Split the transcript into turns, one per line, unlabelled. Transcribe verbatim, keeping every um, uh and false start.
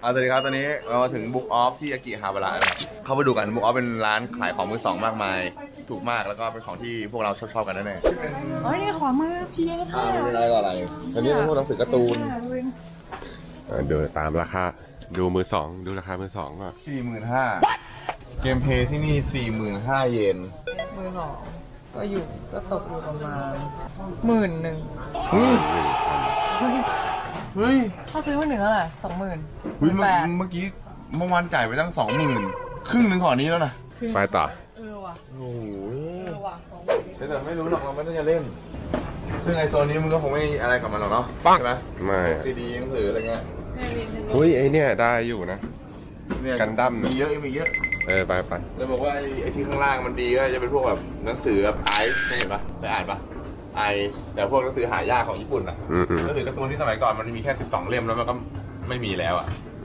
เอาสวัสดีครับตอนนี้เรามาถึง Book Off ที่อากิฮาบาระนะครับเข้าไปดูกัน Book Off เป็นร้านขายของมือสองมากมายถูกมากแล้วก็เป็นของที่พวกเราชอบๆกันแน่ๆ
เฮ้ยนี่ขอมือพีเอส
อ่าไม่เป็นไรก็อะไรอันนี้เป็นพวกหนังสือการ์ตูน
ดูตามราคาดูมือสองดูราคามือสองก่อน
สี่หมื่นห้าเกมเพย์ที่นี่ สี่หมื่นห้า เยน
มือสองก็อยู่ก็ตกอยู่ประมาณหมื่นหนึ่ง
เฮ้ย
เฮ้ย
เฮ้ย
ถ้าซื้อมาหนึ่งเท่าไหร่สองหมื่น
เฮ้ยเมื่อ
แปด
เมื่อกี้เมื่อวานจ่ายไปตั้งสองหมื่นครึ่งหนึ่งของอันนี้แล้วนะ
ไปต่อ
เออว่ะ
โอ้โห
เออว่ะสองหมื่น
แต่ไม่รู้หรอกเราไม่ได้จะเล่น ซึ่งไอโซนนี้มึงก็คงไม่อะไรกับมันหรอกเนาะใช่ไหม
ไม่
ซีดีหนังสืออะไรเงี้ย
อุ้ยไอเนี่ยได้อยู่นะ
เนี่ย
กันดั้มนะ
มีเยอะมีเยอะ
เออไปไป
เลยบอกว่าไอ้ไอ้ที่ข้างล่างมันดีก็จะเป็นพวกแบบหนังสือแบบไอซ์เห็นปะไปอ่านปะไอแต่พวกหนังสือหายากของญี่ปุ่นอะ
อืมอืม
หนังสือการ์ตูนที่สมัยก่อนมันมีแค่สิบสองเล่มแล้วมันก็ไม่มีแล้วอะ